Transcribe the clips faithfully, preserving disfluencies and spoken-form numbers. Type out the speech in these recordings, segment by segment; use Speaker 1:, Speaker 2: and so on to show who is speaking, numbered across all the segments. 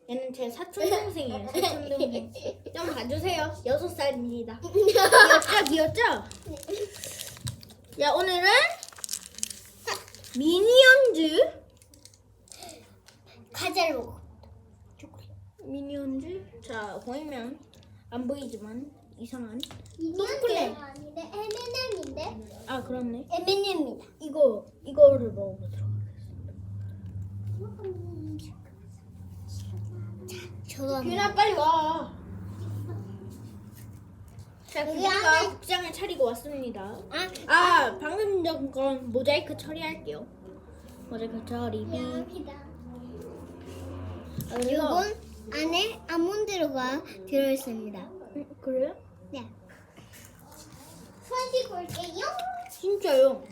Speaker 1: 얘는 제 사촌 동생이에요. 사촌 동생. 좀 봐주세요. 여섯 살입니다. 귀엽죠, 귀엽죠? 자, 오늘은 미니언즈
Speaker 2: 과자를 먹어.
Speaker 1: 미니언즈. 자, 보이면 안 보이지만 이상한.
Speaker 2: 미니언즈가 아닌데 엠앤엠인데?
Speaker 1: 아, 그렇네.
Speaker 2: 엠앤엠이다.
Speaker 1: 이거 이거를 먹어보도록 하겠습니다.
Speaker 2: 저도
Speaker 1: 규나 빨리 와. 자,
Speaker 2: 여기
Speaker 1: 규나가
Speaker 2: 안에-
Speaker 1: 국장을 차리고 왔습니다.
Speaker 2: 아,
Speaker 1: 아, 방금 전 건 모자이크 처리할게요. 모자이크 처리.
Speaker 2: 여기다.
Speaker 1: 아, 이거
Speaker 2: 이건 안에 아몬드가 들어있습니다.
Speaker 1: 음, 그래요?
Speaker 2: 네. 손 씻고 올게요.
Speaker 1: 진짜요?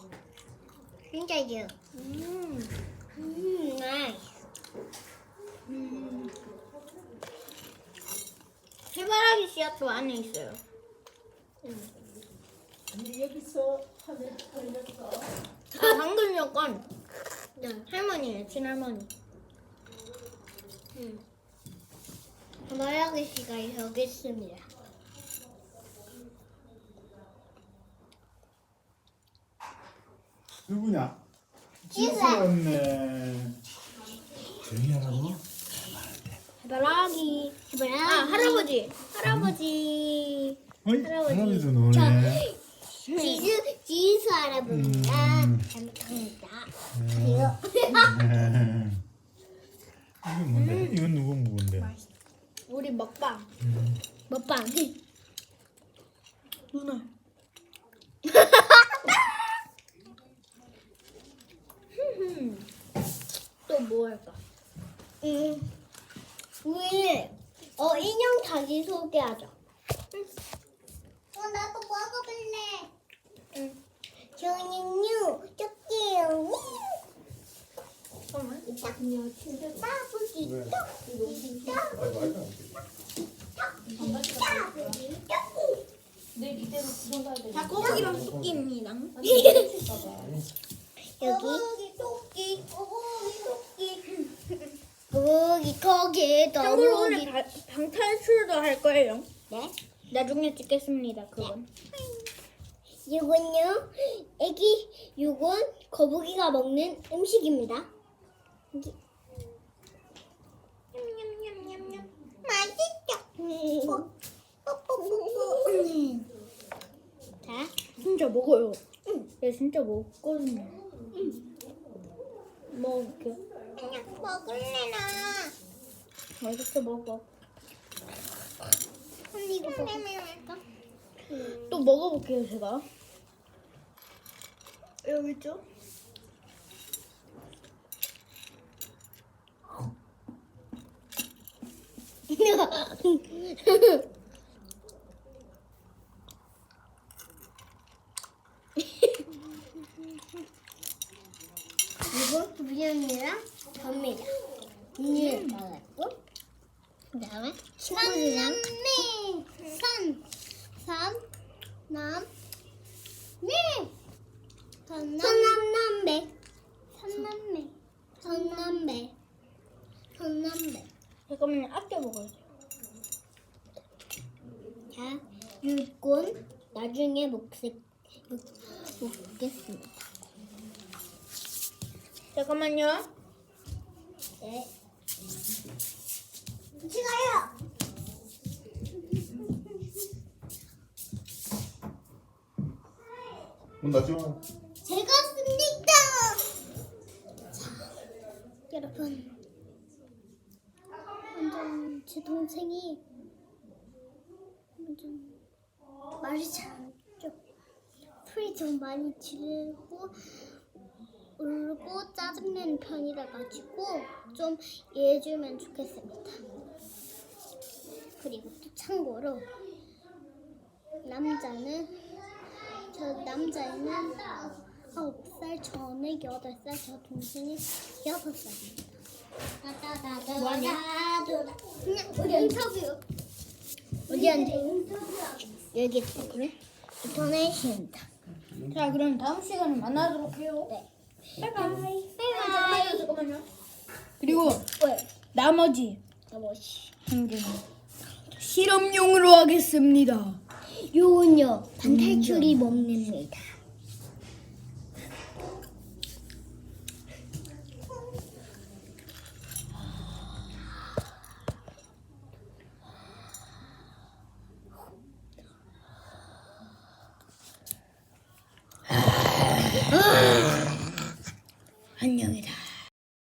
Speaker 2: 진짜요.
Speaker 1: 음,
Speaker 2: 음, 나이스.
Speaker 1: 음. 해바라기 씨앗도 안에 있어요.
Speaker 3: 아니 여기서 하늘 걸렸어.
Speaker 1: 아, 방금 전건 네, 할머니예요, 친할머니.
Speaker 2: 음. 마라기 씨가 여기 있습니다.
Speaker 4: 누구냐? 지수였네. 조용히 하라고?
Speaker 1: 해바라기.
Speaker 2: 해바라기.
Speaker 1: 아, 할아버지. 할아버지.
Speaker 4: 어이?
Speaker 1: 할아버지.
Speaker 4: 할아버지도 노네.
Speaker 2: 지수, 지수 할아버지가
Speaker 4: 음.
Speaker 2: 잘못합니다.
Speaker 4: 음. 이게 뭔데? 이건 누구 묵은데?
Speaker 1: 우리 먹방.
Speaker 2: 먹방.
Speaker 1: 누나. 또 뭐 할까?
Speaker 2: 음, 우리 어 인형 다시 소개하자. 어 나도 먹어볼래. 응. 저는요 쪼끼요.
Speaker 1: 잠깐만.
Speaker 2: 이따요 진짜 따부기
Speaker 4: 왜?
Speaker 2: 떡. 따부기 떡.
Speaker 3: 내일 이대로 구경 가야 돼.
Speaker 1: 자, 꼬부기랑 토끼입니다.
Speaker 2: 여기 거북이 토끼 거북이 토끼 거북이 거기
Speaker 1: 참고로 오늘
Speaker 2: 거북이.
Speaker 1: 바, 방탈출도 할 거예요.
Speaker 2: 네.
Speaker 1: 나중에 찍겠습니다. 그건.
Speaker 2: 이건요, 애기, 이건 거북이가 먹는 음식입니다. 여기. 냠냠냠냠냠. 맛있죠? 뽀뽀뽀뽀. 자,
Speaker 1: 진짜 먹어요. 얘 진짜 먹거든요. 먹을게.
Speaker 2: 그냥 먹을래 나.
Speaker 1: 알겠어, 먹어.
Speaker 2: 언니 이거 먹을까?
Speaker 1: 또 먹어볼게요, 제가. 여기 있죠?
Speaker 2: 이거 부연이랑 접니다. 이 나갔고, 그다음에 친구들이랑 산, 삼, 남, 네, 선남남배, 선남배, 선남배, 선남배.
Speaker 1: 잠깐만요, 아껴 먹어요.
Speaker 2: 자, 육군 나중에 먹겠, 먹, 먹겠습니다.
Speaker 1: 잠깐만요.
Speaker 2: 네. 찍어요.
Speaker 4: 문 닫죠?
Speaker 2: 제가 씁니다. 자, 여러분, 완전 제 동생이 완전 말이 잘 안 죠. 풀이 좀 많이 지르고 울고 짜증내는 편이라 가지고 좀 이해해주면 좋겠습니다. 그리고 또 참고로 남자는 저 남자애는 아홉 살, 저는 여덟 살, 저 동생이 여섯 살입니다.
Speaker 1: 뭐하냐?
Speaker 2: 그냥 우리 인터뷰.
Speaker 1: 어디 앉아?
Speaker 2: 여기 있어. 그래? 인터넷입니다.
Speaker 1: 자, 그럼 다음 시간에 만나도록 해요.
Speaker 2: 네.
Speaker 1: 바이바이.
Speaker 2: 바이바이.
Speaker 1: 잠깐만요. 그리고
Speaker 2: 왜?
Speaker 1: 나머지
Speaker 2: 잡아시.
Speaker 1: 행진. 실험용으로 하겠습니다.
Speaker 2: 요건요 반탈출이 먹습니다.